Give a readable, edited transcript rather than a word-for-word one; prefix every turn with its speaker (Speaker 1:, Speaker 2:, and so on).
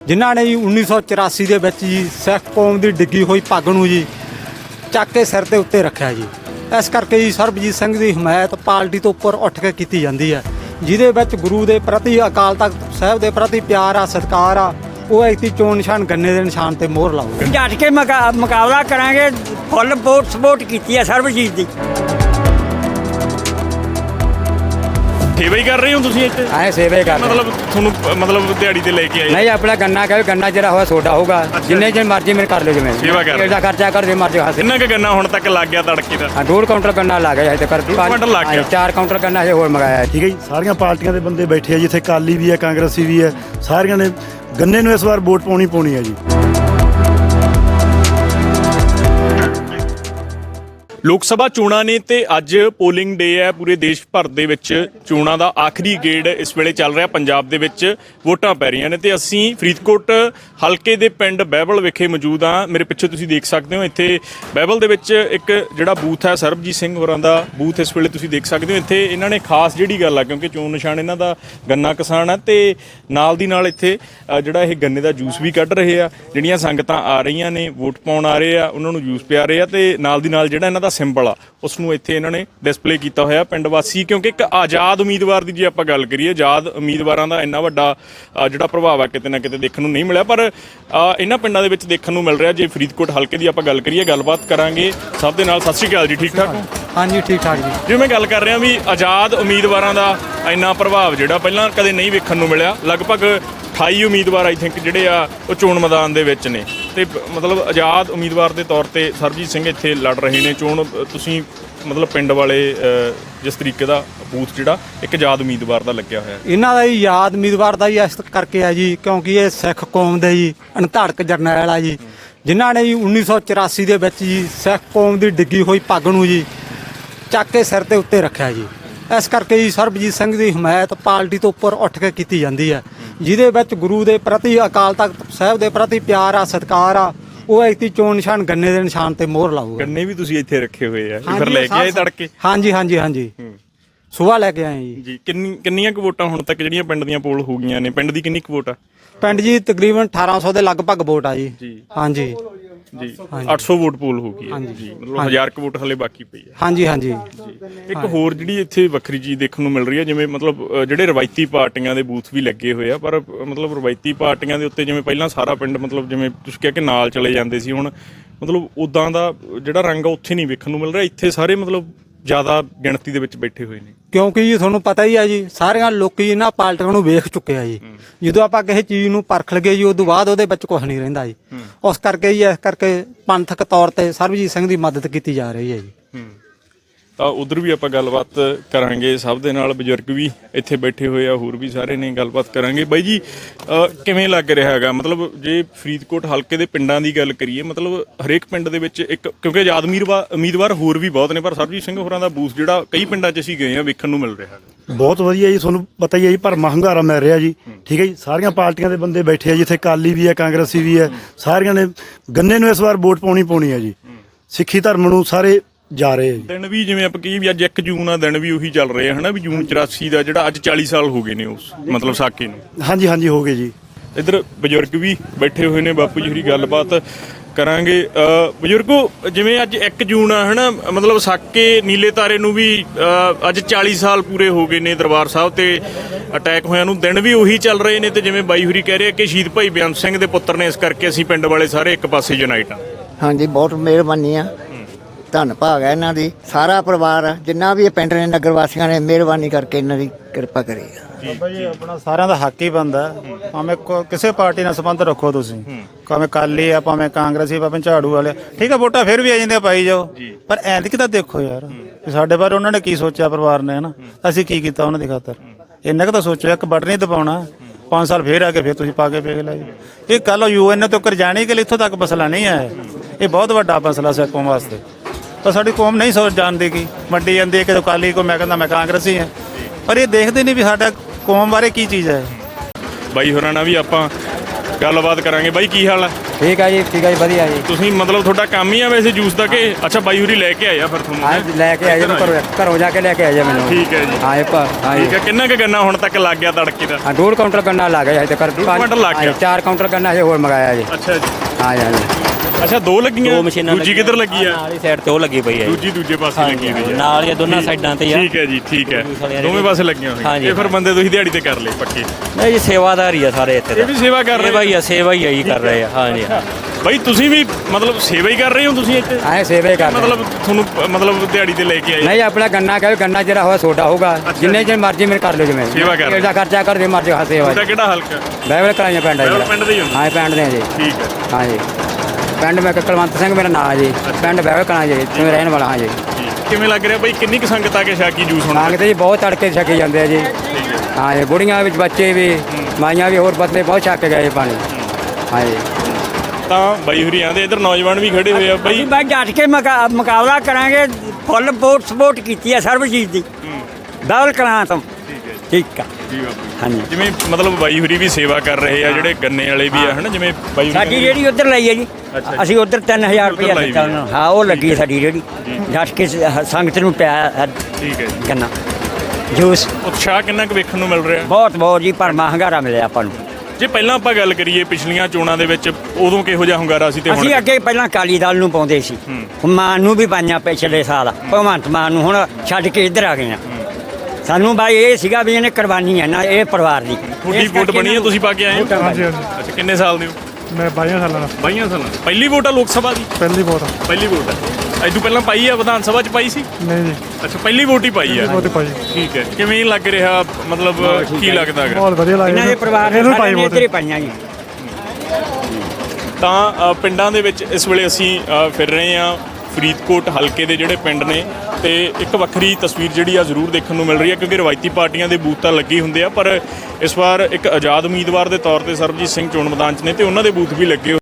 Speaker 1: ਜਿਨ੍ਹਾਂ ਨੇ ਜੀ 1984 ਦੇ ਵਿੱਚ ਜੀ ਸਿੱਖ ਕੌਮ ਦੀ ਡਿੱਗੀ ਹੋਈ ਪੱਗ ਨੂੰ ਜੀ ਚੱਕ ਕੇ ਸਿਰ ਦੇ ਉੱਤੇ ਰੱਖਿਆ ਜੀ। ਇਸ ਕਰਕੇ ਜੀ ਸਰਬਜੀਤ ਸਿੰਘ ਦੀ ਹਮਾਇਤ ਪਾਰਟੀ ਤੋਂ ਉੱਪਰ ਉੱਠ ਕੇ ਕੀਤੀ ਜਾਂਦੀ ਹੈ, ਜਿਹਦੇ ਵਿੱਚ ਗੁਰੂ ਦੇ ਪ੍ਰਤੀ, ਅਕਾਲ ਤਖਤ ਸਾਹਿਬ ਦੇ ਪ੍ਰਤੀ ਪਿਆਰ ਆ, ਸਤਿਕਾਰ ਆ। ਉਹ ਐਤੀ ਚੋਣ ਨਿਸ਼ਾਨ ਗੰਨੇ ਦੇ ਨਿਸ਼ਾਨ ਤੇ ਮੋਹਰ ਲਾਊਗਾ।
Speaker 2: ਡਟ ਕੇ ਮੁਕਾਬਲਾ ਕਰਾਂਗੇ। ਫੁੱਲ ਸਪੋਰਟ ਕੀਤੀ ਹੈ ਸਰਬਜੀਤ ਦੀ।
Speaker 3: ਸੇਵਾ ਹੀ ਕਰ ਰਹੇ ਹੋ ਤੁਸੀਂ ਇੱਥੇ?
Speaker 1: ਐ ਸੇਵੇ ਕਰ
Speaker 3: ਤੁਹਾਨੂੰ ਦਿਹਾੜੀ ਤੇ ਲੈ ਕੇ ਆਏ?
Speaker 1: ਨਹੀਂ, ਆਪਣਾ ਗੰਨਾ ਕਹੇ, ਗੰਨਾ ਜਿਹੜਾ ਹੋਇਆ ਛੋਟਾ ਹੋਊਗਾ, ਜਿੰਨੇ ਜਿੰਨ ਮਰਜ਼ੀ ਮੇਰੇ ਕਰ ਲਿਓ ਜਿਵੇਂ
Speaker 3: ਸੇਵਾ ਕਰ
Speaker 1: ਇਹਦਾ ਖਰਚਾ ਕਰ ਦੇ ਮਰਜ਼ੀ ਹਾਸੇ।
Speaker 3: ਕਿੰਨਾ ਕੁ ਗੰਨਾ ਹੁਣ ਤੱਕ ਲੱਗ ਗਿਆ ਤੜਕੇ ਦਾ?
Speaker 1: 2 ਕਾਊਂਟਰ ਗੰਨਾ ਲੱਗ ਗਿਆ ਹਜੇ ਤੱਕ। 4 ਕਾਊਂਟਰ ਗੰਨਾ ਹਜੇ ਹੋਰ ਮੰਗਾਇਆ।
Speaker 4: ਠੀਕ ਹੈ ਜੀ, ਸਾਰੀਆਂ ਪਾਰਟੀਆਂ ਦੇ ਬੰਦੇ ਬੈਠੇ ਆ, ਜਿੱਥੇ ਅਕਾਲੀ ਵੀ ਹੈ, ਕਾਂਗਰਸੀ ਵੀ ਹੈ, ਸਾਰਿਆਂ ਨੇ ਗੰਨੇ ਨੂੰ ਇਸ ਵਾਰ ਵੋਟ ਪਾਉਣੀ ਹੈ ਜੀ।
Speaker 3: ਲੋਕ ਸਭਾ ਚੋਣਾਂ ਨੇ ਤੇ ਅੱਜ ਪੋਲਿੰਗ ਡੇ ਹੈ। ਪੂਰੇ ਦੇਸ਼ ਭਰ ਦੇ ਵਿੱਚ ਚੋਣਾਂ ਦਾ ਆਖਰੀ ਗੇੜ ਇਸ ਵੇਲੇ ਚੱਲ ਰਿਹਾ। ਪੰਜਾਬ ਦੇ ਵਿੱਚ ਵੋਟਾਂ ਪੈ ਰਹੀਆਂ ਨੇ ਤੇ ਅਸੀਂ ਫਰੀਦਕੋਟ ਹਲਕੇ ਦੇ ਪਿੰਡ ਬਹਿਬਲ ਵਿਖੇ ਮੌਜੂਦ ਹਾਂ। ਮੇਰੇ ਪਿੱਛੇ ਤੁਸੀਂ ਦੇਖ ਸਕਦੇ ਹੋ, ਇੱਥੇ ਬਹਿਬਲ ਦੇ ਵਿੱਚ ਇੱਕ ਜਿਹੜਾ ਬੂਥ ਹੈ ਸਰਬਜੀਤ ਸਿੰਘ ਹੋਰਾਂ ਦਾ ਬੂਥ ਇਸ ਵੇਲੇ ਤੁਸੀਂ ਦੇਖ ਸਕਦੇ ਹੋ। ਇੱਥੇ ਇਹਨਾਂ ਨੇ ਖਾਸ ਜਿਹੜੀ ਗੱਲ ਆ, ਕਿਉਂਕਿ ਚੋਣ ਨਿਸ਼ਾਨ ਇਹਨਾਂ ਦਾ ਗੰਨਾ ਕਿਸਾਨ ਹੈ ਤੇ ਨਾਲ ਦੀ ਨਾਲ ਇੱਥੇ ਜਿਹੜਾ ਇਹ ਗੰਨੇ ਦਾ ਜੂਸ ਵੀ ਕੱਢ ਰਹੇ ਆ। ਜਿਹੜੀਆਂ ਸੰਗਤਾਂ ਆ ਰਹੀਆਂ ਨੇ ਵੋਟ ਪਾਉਣ ਆ ਰਹੇ ਆ, ਉਹਨਾਂ ਨੂੰ ਜੂਸ ਪਿਆ ਰਹੇ ਆ ਤੇ ਨਾਲ ਦੀ ਨਾਲ ਜਿਹੜਾ ਇਹਨਾਂ ਦਾ ਸਿੰਬਲ ਆ ਉਸ ਨੂੰ ਇੱਥੇ ਇਹਨਾਂ ਨੇ ਡਿਸਪਲੇ ਕੀਤਾ ਹੋਇਆ ਪਿੰਡ ਵਾਸੀ। ਕਿਉਂਕਿ ਇੱਕ ਆਜ਼ਾਦ ਉਮੀਦਵਾਰ ਦੀ ਜੇ ਆਪਾਂ ਗੱਲ ਕਰੀਏ, ਆਜ਼ਾਦ ਉਮੀਦਵਾਰਾਂ ਦਾ ਇੰਨਾ ਵੱਡਾ ਜਿਹੜਾ ਪ੍ਰਭਾਵ ਆ ਕਿਤੇ ਨਾ ਕਿਤੇ ਦੇਖਣ ਨੂੰ ਨਹੀਂ ਮਿਲਿਆ, ਪਰ ਇਹਨਾਂ ਪਿੰਡਾਂ ਦੇ ਵਿੱਚ ਦੇਖਣ ਨੂੰ ਮਿਲ ਰਿਹਾ। ਜੇ ਫਰੀਦਕੋਟ ਹਲਕੇ ਦੀ ਆਪਾਂ ਗੱਲ ਕਰੀਏ, ਗੱਲਬਾਤ ਕਰਾਂਗੇ ਸਭ ਦੇ ਨਾਲ। ਸਤਿ ਸ਼੍ਰੀ ਅਕਾਲ ਜੀ, ਠੀਕ ਠਾਕ ਹੋ?
Speaker 1: ਹਾਂਜੀ, ਠੀਕ ਠਾਕ ਜੀ।
Speaker 3: ਜਿਵੇਂ ਮੈਂ ਗੱਲ ਕਰ ਰਿਹਾ ਵੀ ਆਜ਼ਾਦ ਉਮੀਦਵਾਰਾਂ ਦਾ ਇੰਨਾ ਪ੍ਰਭਾਵ ਜਿਹੜਾ ਪਹਿਲਾਂ ਕਦੇ ਨਹੀਂ ਵੇਖਣ ਨੂੰ ਮਿਲਿਆ। ਲਗਭਗ 28 ਉਮੀਦਵਾਰ ਆਈ ਥਿੰਕ ਜਿਹੜੇ ਆ ਉਹ ਚੋਣ ਮੈਦਾਨ ਦੇ ਵਿੱਚ ਨੇ ਤੇ ਆਜ਼ਾਦ ਉਮੀਦਵਾਰ ਦੇ ਤੌਰ ਤੇ ਸਰਬਜੀਤ ਸਿੰਘ ਇੱਥੇ ਲੜ ਰਹੇ ਨੇ ਚੋਣ। ਤੁਸੀਂ ਪਿੰਡ ਵਾਲੇ ਜਿਸ ਤਰੀਕੇ ਦਾ ਬੂਥ ਜਿਹੜਾ ਇੱਕ ਆਜ਼ਾਦ ਉਮੀਦਵਾਰ ਦਾ ਲੱਗਿਆ ਹੋਇਆ,
Speaker 1: ਇਹਨਾਂ ਦਾ ਜੀ ਆਜ਼ਾਦ ਉਮੀਦਵਾਰ ਦਾ ਹੀ ਇਸ ਕਰਕੇ ਆ ਜੀ, ਕਿਉਂਕਿ ਇਹ ਸਿੱਖ ਕੌਮ ਦੇ ਜੀ ਅਣਧੜਕ ਜਰਨੈਲ ਆ ਜੀ, ਜਿਨ੍ਹਾਂ ਨੇ ਜੀ 1984 ਦੇ ਵਿੱਚ ਜੀ ਸਿੱਖ ਕੌਮ ਦੀ ਡਿੱਗੀ ਹੋਈ ਪੱਗ ਨੂੰ ਜੀ ਚੱਕ ਕੇ ਸਿਰ ਦੇ ਉੱਤੇ ਰੱਖਿਆ ਜੀ। ਇਸ ਕਰਕੇ ਜੀ ਸਰਬਜੀਤ ਸਿੰਘ ਦੀ ਹਮਾਇਤ ਪਾਰਟੀ ਤੋਂ ਉੱਪਰ ਉੱਠ ਕੇ ਕੀਤੀ ਜਾਂਦੀ ਹੈ, ਜਿਹਦੇ ਵਿੱਚ ਗੁਰੂ ਦੇ ਪ੍ਰਤੀ, ਅਕਾਲ ਤਖਤ ਸਾਹਿਬ ਦੇ ਪ੍ਰਤੀ ਪਿਆਰ ਆ, ਸਤਿਕਾਰ ਆ। ਉਹ ਐਤੀ ਚੋਣ ਨਿਸ਼ਾਨ ਗੰਨੇ ਦੇ ਨਿਸ਼ਾਨ ਤੇ ਮੋਹਰ ਲਾਊਗਾ।
Speaker 3: ਗੰਨੇ ਵੀ ਤੁਸੀਂ ਇੱਥੇ ਰੱਖੇ ਹੋਏ ਆ, ਫਿਰ ਲੈ ਕੇ ਆਏ ਤੜਕੇ?
Speaker 1: ਹਾਂਜੀ ਸੁਬਾਹ ਲੈ ਕੇ ਆਏ ਜੀ।
Speaker 3: ਕਿੰਨੀਆਂ ਕੁ ਵੋਟਾਂ ਹੁਣ ਤੱਕ ਜਿਹੜੀਆਂ ਪਿੰਡ ਦੀਆਂ ਪੋਲ ਹੋ ਗਈਆਂ ਨੇ? ਪਿੰਡ ਦੀ ਕਿੰਨੀ ਕੁ ਵੋਟ ਆ?
Speaker 1: ਪਿੰਡ ਜੀ ਤਕਰੀਬਨ 1800 ਦੇ ਲਗਭਗ ਵੋਟ ਆ ਜੀ। ਹਾਂਜੀ
Speaker 3: ਜੀ 800 ਵੋਟ ਪੋਲ ਹੋ ਗਈ ਹੈ ਜੀ। 1000 ਕੁ ਵੋਟ ਹਲੇ ਬਾਕੀ ਪਈ ਹੈ।
Speaker 1: ਹਾਂਜੀ
Speaker 3: ਇੱਕ ਹੋਰ ਜਿਹੜੀ ਇੱਥੇ ਵੱਖਰੀ ਚੀਜ਼ ਦੇਖਣ ਨੂੰ ਮਿਲ ਰਹੀ ਹੈ, ਜਿਵੇਂ ਜਿਹੜੇ ਰਵਾਇਤੀ ਪਾਰਟੀਆਂ ਦੇ ਬੂਥ ਵੀ ਲੱਗੇ ਹੋਏ ਆ, ਪਰ ਰਵਾਇਤੀ ਪਾਰਟੀਆਂ ਦੇ ਉੱਤੇ ਜਿਵੇਂ ਪਹਿਲਾਂ ਸਾਰਾ ਪਿੰਡ ਜਿਵੇਂ ਤੁਸੀਂ ਕਿਹਾ ਕਿ ਨਾਲ ਚਲੇ ਜਾਂਦੇ ਸੀ, ਹੁਣ ਉਦਾਂ ਦਾ ਜਿਹੜਾ ਰੰਗ ਆ ਉੱਥੇ ਨਹੀਂ ਵੇਖਣ ਨੂੰ ਮਿਲ ਰਿਹਾ। ਇੱਥੇ ਸਾਰੇ ਜ਼ਿਆਦਾ ਗਿਣਤੀ ਦੇ ਵਿੱਚ ਬੈਠੇ ਹੋਏ ਨੇ,
Speaker 1: ਕਿਉਂਕਿ ਜੀ ਤੁਹਾਨੂੰ ਪਤਾ ਹੀ ਆ ਜੀ, ਸਾਰਿਆਂ ਲੋਕੀ ਇਹਨਾਂ ਪਾਰਟੀਆਂ ਨੂੰ ਵੇਖ ਚੁੱਕੇ ਆ ਜੀ। ਜਦੋਂ ਆਪਾਂ ਕਿਸੇ ਚੀਜ਼ ਨੂੰ ਪਰਖ ਲਈਏ ਜੀ, ਉਦੋਂ ਬਾਅਦ ਉਹਦੇ ਵਿੱਚ ਕੁਝ ਨਹੀਂ ਰਹਿੰਦਾ ਜੀ। ਉਸ ਕਰਕੇ ਪੰਥਕ ਤੌਰ ਤੇ ਸਰਬਜੀਤ ਸਿੰਘ ਦੀ ਮਦਦ ਕੀਤੀ ਜਾ ਰਹੀ ਹੈ ਜੀ।
Speaker 3: ਤਾਂ ਉਧਰ ਵੀ ਆਪਾਂ ਗੱਲਬਾਤ ਕਰਾਂਗੇ ਸਭ ਦੇ ਨਾਲ। ਬਜ਼ੁਰਗ ਵੀ ਇੱਥੇ ਬੈਠੇ ਹੋਏ ਆ, ਹੋਰ ਵੀ ਸਾਰੇ ਨੇ, ਗੱਲਬਾਤ ਕਰਾਂਗੇ। ਬਾਈ ਜੀ, ਕਿਵੇਂ ਲੱਗ ਰਿਹਾ ਹੈਗਾ ਜੇ ਫਰੀਦਕੋਟ ਹਲਕੇ ਦੇ ਪਿੰਡਾਂ ਦੀ ਗੱਲ ਕਰੀਏ, ਹਰੇਕ ਪਿੰਡ ਦੇ ਵਿੱਚ ਇੱਕ, ਕਿਉਂਕਿ ਆਜ਼ਾਦ ਉਮੀਦਵਾਰ ਹੋਰ ਵੀ ਬਹੁਤ ਨੇ, ਪਰ ਸਰਬਜੀਤ ਸਿੰਘ ਹੋਰਾਂ ਦਾ ਬੂਥ ਜਿਹੜਾ ਕਈ ਪਿੰਡਾਂ 'ਚ ਅਸੀਂ ਗਏ ਆ ਵੇਖਣ ਨੂੰ ਮਿਲ ਰਿਹਾ ਹੈ।
Speaker 4: ਬਹੁਤ ਵਧੀਆ ਜੀ, ਤੁਹਾਨੂੰ ਪਤਾ ਹੀ ਹੈ ਜੀ, ਭਰਮਾ ਹੁੰਗਾਰਾ ਮਿਲ ਰਿਹਾ ਜੀ। ਠੀਕ ਹੈ ਜੀ, ਸਾਰੀਆਂ ਪਾਰਟੀਆਂ ਦੇ ਬੰਦੇ ਬੈਠੇ ਆ, ਜਿੱਥੇ ਅਕਾਲੀ ਵੀ ਹੈ, ਕਾਂਗਰਸੀ ਵੀ ਹੈ, ਸਾਰਿਆਂ ਨੇ ਗੰਨੇ ਨੂੰ ਇਸ ਵਾਰ ਵੋਟ ਪਾਉਣੀ ਹੈ ਜੀ। ਸਿੱਖੀ ਧਰਮ ਨੂੰ ਸਾਰੇ ਜਾ ਰਹੇ ਆ।
Speaker 3: ਦਿਨ ਵੀ ਜਿਵੇਂ ਆਪਾਂ ਕਹੀਏ ਵੀ ਅੱਜ 1 ਜੂਨ ਆ, ਦਿਨ ਵੀ ਉਹੀ ਚੱਲ ਰਹੇ ਆ ਹਨਾ, ਵੀ ਜੂਨ 84 ਦਾ ਜਿਹੜਾ ਅੱਜ 40 ਸਾਲ ਹੋ ਗਏ ਨੇ ਉਸ ਸਾਕੇ ਨੂੰ। ਹਾਂਜੀ
Speaker 4: ਹੋ ਗਏ ਜੀ।
Speaker 3: ਇੱਧਰ ਬਜ਼ੁਰਗ ਵੀ ਬੈਠੇ ਹੋਏ ਨੇ, ਬਾਪੂ ਜੀ ਹੋਰੀ, ਗੱਲਬਾਤ ਕਰਾਂਗੇ। ਬਜ਼ੁਰਗੋ, ਜਿਵੇਂ ਅੱਜ 1 ਜੂਨ ਆ ਹਨਾ, ਸਾਕੇ ਨੀਲੇ ਤਾਰੇ ਨੂੰ ਵੀ ਅੱਜ 40 ਸਾਲ ਪੂਰੇ ਹੋ ਗਏ ਨੇ ਦਰਬਾਰ ਸਾਹਿਬ ਤੇ ਅਟੈਕ ਹੋਇਆ ਨੂੰ। ਦਿਨ ਵੀ ਉਹੀ ਚੱਲ ਰਹੇ ਨੇ ਤੇ ਜਿਵੇਂ ਬਾਈ ਹੋਰੀ ਕਹਿ ਰਹੇ ਕਿ ਸ਼ਹੀਦ ਭਾਈ ਬੇਅੰਤ ਸਿੰਘ ਦੇ ਪੁੱਤਰ ਨੇ, ਇਸ ਕਰਕੇ ਅਸੀਂ ਪਿੰਡ ਵਾਲੇ ਸਾਰੇ ਇੱਕ ਪਾਸੇ ਯੂਨਾਈਟ ਆ।
Speaker 5: ਹਾਂਜੀ, ਬਹੁਤ ਮਿਹਰਬਾਨੀ ਆ, ਧੰਨ ਭਾਗ ਹੈ ਇਹਨਾਂ ਦੀ। ਸਾਰਾ ਪਰਿਵਾਰ ਜਿੰਨਾ ਵੀ ਇਹ ਪਿੰਡ ਨੇ, ਨਗਰ ਵਾਸੀਆਂ ਨੇ ਮਿਹਰਬਾਨੀ ਕਰਕੇ ਇਹਨਾਂ ਦੀ ਕਿਰਪਾ ਕਰੀ ਆ।
Speaker 6: ਬਾਬਾ ਜੀ, ਆਪਣਾ ਸਾਰਿਆਂ ਦਾ ਹੱਕ ਹੀ ਬਣਦਾ, ਭਾਵੇਂ ਕਿਸੇ ਪਾਰਟੀ ਨਾਲ ਸੰਬੰਧ ਰੱਖੋ ਤੁਸੀਂ, ਭਾਵੇਂ ਅਕਾਲੀ ਆ, ਭਾਵੇਂ ਕਾਂਗਰਸੀ, ਭਾਵੇਂ ਝਾੜੂ ਵਾਲੇ, ਠੀਕ ਆ, ਵੋਟਾਂ ਫਿਰ ਵੀ ਆ ਜਾਂਦੀਆਂ, ਪਾਈ ਜਾਓ। ਪਰ ਐਤਕੀ ਤਾਂ ਦੇਖੋ ਯਾਰ, ਸਾਡੇ ਬਾਰੇ ਉਹਨਾਂ ਨੇ ਕੀ ਸੋਚਿਆ, ਪਰਿਵਾਰ ਨੇ ਹਨਾ, ਅਸੀਂ ਕੀ ਕੀਤਾ ਉਹਨਾਂ ਦੀ ਖਾਤਰ। ਇੰਨਾ ਕੁ ਤਾਂ ਸੋਚੋ, ਇੱਕ ਬਟਨ ਹੀ ਦਬਾਉਣਾ, 5 ਸਾਲ ਫੇਰ ਆ ਕੇ ਫਿਰ ਤੁਸੀਂ ਪਾ ਕੇ ਵੇਖ ਲਿਆ ਜੀ। ਇਹ ਕੱਲ UN ਤੋਂ ਕਰ ਜਾਣੀ ਕਿ ਇੱਥੋਂ ਤੱਕ ਮਸਲਾ ਨਹੀਂ ਆਇਆ, ਇਹ ਬਹੁਤ ਵੱਡਾ ਮਸਲਾ ਸੀ ਕੌਮ ਵਾਸਤੇ। ਪਰ ਸਾਡੀ ਕੌਮ ਨਹੀਂ ਸੋਚ ਜਾਣਦੀ, ਕਿ ਵੰਡੀ ਜਾਂਦੀ ਹੈ ਕਿ ਅਕਾਲੀ ਕੋ, ਮੈਂ ਕਹਿੰਦਾ ਮੈਂ ਕਾਂਗਰਸੀ ਹਾਂ, ਪਰ ਇਹ ਦੇਖਦੇ ਨਹੀਂ ਵੀ ਸਾਡਾ ਕੌਮ ਬਾਰੇ ਕੀ ਚੀਜ਼ ਹੈ।
Speaker 3: ਬਾਈ ਹੋਰਾਂ ਨਾਲ ਵੀ ਆਪਾਂ ਗੱਲਬਾਤ ਕਰਾਂਗੇ ਬਾਈ, ਕੀ ਹਾਲ ਹੈ?
Speaker 7: ਠੀਕ ਹੈ ਜੀ ਵਧੀਆ ਜੀ।
Speaker 3: ਤੁਸੀਂ ਮਤਲਬ ਤੁਹਾਡਾ ਕੰਮ ਹੀ ਆ ਵੈਸੇ ਜੂਸ ਦਾ ਕਿ ਅੱਛਾ ਬਾਈ ਹੋਰੀ ਲੈ ਕੇ ਆਇਆ ਫਿਰ ਤੁਹਾਨੂੰ?
Speaker 7: ਹਾਂ ਲੈ ਕੇ ਆਏ ਜੀ ਘਰੋਂ ਜਾ ਕੇ ਲੈ ਕੇ ਆਏ ਜੀ ਮੈਨੂੰ।
Speaker 3: ਠੀਕ ਹੈ ਜੀ।
Speaker 7: ਹਾਂ ਜੀ ਹਾਂ ਜੀ।
Speaker 3: ਠੀਕ ਹੈ, ਕਿੰਨਾ ਕੁ ਗੰਨਾ ਹੁਣ ਤੱਕ ਲੱਗ ਗਿਆ ਤੜਕੇ ਦਾ?
Speaker 7: ਹਾਂ 2 ਕਾਊਂਟਰ ਗੰਨਾ ਲੱਗ ਗਿਆ ਹਜੇ ਤੱਕ।
Speaker 3: 2 ਕੁਆਂਟਲ ਲੱਗ ਗਿਆ।
Speaker 7: 4 ਕਾਊਂਟਰ ਗੰਨਾ ਹਜੇ ਹੋਰ ਮੰਗਾਇਆ ਜੀ।
Speaker 3: ਅੱਛਾ ਜੀ।
Speaker 7: ਹਾਂ ਜੀ ਹਾਂ ਜੀ।
Speaker 3: ਅੱਛਾ 2 ਲੱਗੀਆਂ?
Speaker 8: 2 ਮਸ਼ੀਨਾਂ
Speaker 3: ਦੂਜੀ ਕਿੱਧਰ ਲੱਗੀ ਆ?
Speaker 8: ਨਾਲ ਹੀ ਸਾਈਡ ਤੇ ਉਹ ਲੱਗੀ ਪਈ ਹੈ ਜੀ।
Speaker 3: ਦੂਜੀ ਦੂਜੇ ਪਾਸੇ ਲੱਗੀ ਹੋਈ ਆ।
Speaker 8: ਨਾਲ ਹੀ ਆ, ਦੋਨਾਂ ਸਾਈਡਾਂ ਤੇ ਹੀ ਆ।
Speaker 3: ਠੀਕ ਹੈ ਜੀ, ਠੀਕ ਹੈ, ਦੋਵੇਂ ਪਾਸੇ ਲੱਗੀਆਂ ਹੋਈਆਂ।
Speaker 8: ਹਾਂਜੀ।
Speaker 3: ਇਹ ਫਿਰ ਬੰਦੇ ਤੁਸੀਂ ਦਿਹਾੜੀ ਤੇ ਕਰ ਲਏ ਪੱਕੇ?
Speaker 8: ਨਹੀਂ ਜੀ ਸੇਵਾਦਾਰ ਹੀ ਆ ਸਾਰੇ ਇੱਥੇ
Speaker 3: ਇਹ ਵੀ ਸੇਵਾ ਕਰ ਰਹੇ?
Speaker 8: ਸੇਵਾ ਹੀ ਆ ਜੀ ਕਰ ਰਹੇ ਆ। ਹਾਂਜੀ ਹਾਂ।
Speaker 3: ਬਾਈ ਤੁਸੀਂ ਵੀ ਮਤਲਬ ਸੇਵਾ ਹੀ ਕਰ ਰਹੇ ਹੋ ਤੁਸੀਂ ਇੱਥੇ?
Speaker 7: ਹਾਂ ਸੇਵਾ ਹੀ ਕਰ ਰਹੇ।
Speaker 3: ਮਤਲਬ ਤੁਹਾਨੂੰ ਮਤਲਬ ਦਿਹਾੜੀ ਤੇ ਲੈ ਕੇ ਆਏ?
Speaker 7: ਨਹੀਂ ਆਪਣਾ ਗੰਨਾ ਕਹੇ ਗੰਨਾ ਜਿਹੜਾ ਹੋਇਆ ਛੋਟਾ ਹੋਊਗਾ, ਜਿੰਨੇ ਚਿਰ ਮਰਜ਼ੀ ਮੇਰੇ ਕਰ ਲਓ ਜਿਵੇਂ
Speaker 3: ਸੇਵਾ ਕਰ
Speaker 7: ਇਹਦਾ ਖਰਚਾ ਕਰਦੇ ਮਰਜ਼ੀ ਹਾਂ ਸੇਵਾ
Speaker 3: ਤੁਹਾਡਾ ਕਿਹੜਾ ਹਲਕਾ?
Speaker 7: ਬੈਵਲ ਕਰਾਈਆਂ ਪਿੰਡ ਹੈ
Speaker 3: ਬੈਵਲ ਪਿੰਡ ਦੇ ਹੀ ਹੋ?
Speaker 7: ਹਾਂ ਪਿੰਡ ਦੇ ਜੀ।
Speaker 3: ਠੀਕ ਹੈ।
Speaker 7: ਹਾਂ ਜੀ ਪਿੰਡ ਮੈਂ ਕੁਲਵੰਤ ਸਿੰਘ ਮੇਰਾ ਨਾਂ ਜੀ। ਪਿੰਡ ਬੈਵਲ ਕਰਾਂ ਜੀ, ਜਿਵੇਂ ਰਹਿਣ ਵਾਲਾ ਹਾਂ ਜੀ।
Speaker 3: ਕਿਵੇਂ ਲੱਗ ਰਿਹਾ ਬਾਈ, ਕਿੰਨੀ ਕੁ ਸੰਗਤ ਆ ਕੇ ਛਾਕੀ ਜੂਸ ਹੁਣ?
Speaker 7: ਮੰਗਦੇ ਜੀ ਬਹੁਤ ਤੜਕੇ ਛਕੇ ਜਾਂਦੇ ਆ ਜੀ। ਹਾਂ ਜੀ ਬੁੜੀਆਂ ਵਿੱਚ ਬੱਚੇ ਵੀ ਮਾਈਆਂ ਵੀ ਹੋਰ ਬਸਲੇ ਬਹੁਤ ਛੱਕ ਗਏ ਪਾਣੀ। ਹਾਂ ਜੀ
Speaker 3: ਤਾਂ ਬਾਈ ਹੋਰੀ ਆਂਦੇ ਇਧਰ ਨੌਜਵਾਨ ਵੀ ਖੜੇ ਹੋਏ ਆ ਬਾਈ।
Speaker 2: ਮੈਂ ਡਟ ਕੇ ਮੁਕਾਬਲਾ ਕਰਾਂਗੇ। ਫੁੱਲ ਵੋਟ ਸਪੋਰਟ ਕੀਤੀ ਹੈ ਸਰਬਜੀਤ ਦੀ ਬੈਵਲ ਕਲਾਂ ਤੋਂ। ਠੀਕ ਆ
Speaker 3: ਜੀ ਬਾਪੂ।
Speaker 2: ਹਾਂਜੀ।
Speaker 3: ਜਿਵੇਂ ਮਤਲਬ ਬਾਈ ਹੋਰੀ ਵੀ ਸੇਵਾ ਕਰ ਰਹੇ ਆ, ਜਿਹੜੇ ਗੰਨੇ ਵਾਲੇ ਵੀ ਆ ਹਨਾ, ਜਿਵੇਂ ਬਾਈ ਹੋਰੀ
Speaker 2: ਸਾਡੀ ਰੇਹੜੀ ਉੱਧਰ ਲਈ ਹੈ ਜੀ।
Speaker 3: ਅੱਛਾ।
Speaker 2: ਅਸੀਂ ਉੱਧਰ 3000 ਰੁਪਇਆ
Speaker 3: ਲਾਈ
Speaker 2: ਦਿੱਤਾ ਉਹਨਾਂ ਨੂੰ। ਹਾਂ ਉਹ ਲੱਗੀ ਹੈ ਸਾਡੀ ਰੇਹੜੀ। ਡਟ ਕੇ ਸੰਗਤ ਨੂੰ ਪਿਆ
Speaker 3: ਠੀਕ ਹੈ ਜੀ।
Speaker 2: ਗੰਨਾ ਜੂਸ।
Speaker 3: ਉਤਸ਼ਾਹ ਕਿੰਨਾ ਕੁ ਵੇਖਣ ਨੂੰ ਮਿਲ ਰਿਹਾ?
Speaker 2: ਬਹੁਤ ਜੀ ਭਰਮਾ ਹੰਗਾਰਾ ਮਿਲਿਆ ਆਪਾਂ ਨੂੰ।
Speaker 3: ਜੇ ਪਹਿਲਾਂ ਆਪਾਂ ਗੱਲ ਕਰੀਏ ਪਿਛਲੀਆਂ ਚੋਣਾਂ ਦੇ ਵਿੱਚ, ਉਦੋਂ ਕਿਹੋ ਜਿਹਾ ਹੁੰਗਾਰਾ ਸੀ ਤੇ ਹੁਣ?
Speaker 2: ਅਸੀਂ ਅੱਗੇ ਪਹਿਲਾਂ ਅਕਾਲੀ ਦਲ ਨੂੰ ਪਾਉਂਦੇ ਸੀ। ਹੁਣ ਮਾਨ ਨੂੰ ਵੀ ਪਾਈਆਂ ਪਿਛਲੇ ਸਾਲ, ਭਗਵੰਤ ਮਾਨ ਨੂੰ। ਹੁਣ ਛੱਡ ਕੇ ਇੱਧਰ ਆ ਗਏ ਆ। ਸਾਨੂੰ ਬਾਈ ਇਹ ਸੀਗਾ ਵੀ ਇਹਨੇ ਕੁਰਬਾਨੀ ਹੈ ਨਾ ਇਹ ਪਰਿਵਾਰ ਦੀ।
Speaker 3: ਤੁਹਾਡੀ ਵੋਟ ਬਣੀ ਹੈ, ਤੁਸੀਂ ਪਾ ਕੇ ਆਏ ਹੋ?
Speaker 9: ਹਾਂਜੀ ਹਾਂਜੀ।
Speaker 3: ਅੱਛਾ ਕਿੰਨੇ ਸਾਲ ਦੇ ਹੋ?
Speaker 9: ਮੈਂ 22 ਸਾਲਾਂ ਦਾ।
Speaker 3: 22 ਸਾਲਾਂ ਦੀ। ਪਹਿਲੀ ਵੋਟ ਆ ਲੋਕ ਸਭਾ ਦੀ?
Speaker 9: ਪਹਿਲੀ ਵੋਟ ਆ।
Speaker 3: ਪਹਿਲੀ ਵੋਟ ਹੈ। ਅੱਜ ਤੋਂ ਪਹਿਲਾਂ ਪਾਈ ਆ ਵਿਧਾਨ ਸਭਾ ਚ ਪਾਈ ਸੀ?
Speaker 9: ਨਹੀਂ ਜੀ
Speaker 3: ਅੱਛਾ ਪਹਿਲੀ ਵੋਟ ਹੀ ਪਾਈ ਆ।
Speaker 9: ਵੋਟ ਹੀ ਪਾਈ।
Speaker 3: ਠੀਕ ਹੈ, ਕਿਵੇਂ ਲੱਗ ਰਿਹਾ ਮਤਲਬ ਕੀ ਲੱਗਦਾ ਹੈਗਾ?
Speaker 9: ਬਹੁਤ ਵਧੀਆ ਲੱਗਦਾ।
Speaker 2: ਇਹਨਾਂ ਦੇ ਪਰਿਵਾਰ ਨੇ
Speaker 9: ਇਹਨੂੰ ਪਾਈ
Speaker 2: ਸਾਰੇ
Speaker 9: ਵੋਟ।
Speaker 2: ਇੱਧਰ ਹੀ ਪਾਈਆਂ ਜੀ।
Speaker 3: ਤਾਂ ਪਿੰਡਾਂ ਦੇ ਵਿੱਚ ਇਸ ਵੇਲੇ ਅਸੀਂ ਫਿਰ ਰਹੇ ਹਾਂ। ਫਰੀਦਕੋਟ ਹਲਕੇ ਦੇ ਜਿਹੜੇ ਪਿੰਡ ਨੇ ਤੇ ਇੱਕ ਵੱਖਰੀ ਤਸਵੀਰ ਜਿਹੜੀ ਆ ਜ਼ਰੂਰ ਦੇਖਣ ਨੂੰ ਮਿਲ ਰਹੀ ਹੈ, ਕਿਉਂਕਿ ਰਵਾਇਤੀ ਪਾਰਟੀਆਂ ਦੇ ਬੂਥ ਤਾਂ ਲੱਗੇ ਹੁੰਦੇ ਆ, ਪਰ ਇਸ ਵਾਰ ਇੱਕ ਆਜ਼ਾਦ ਉਮੀਦਵਾਰ ਦੇ ਤੌਰ ਤੇ ਸਰਬਜੀਤ ਸਿੰਘ ਚੋਣ ਮੈਦਾਨ 'ਚ ਨੇ ਤੇ ਉਹਨਾਂ ਦੇ ਬੂਥ ਵੀ ਲੱਗੇ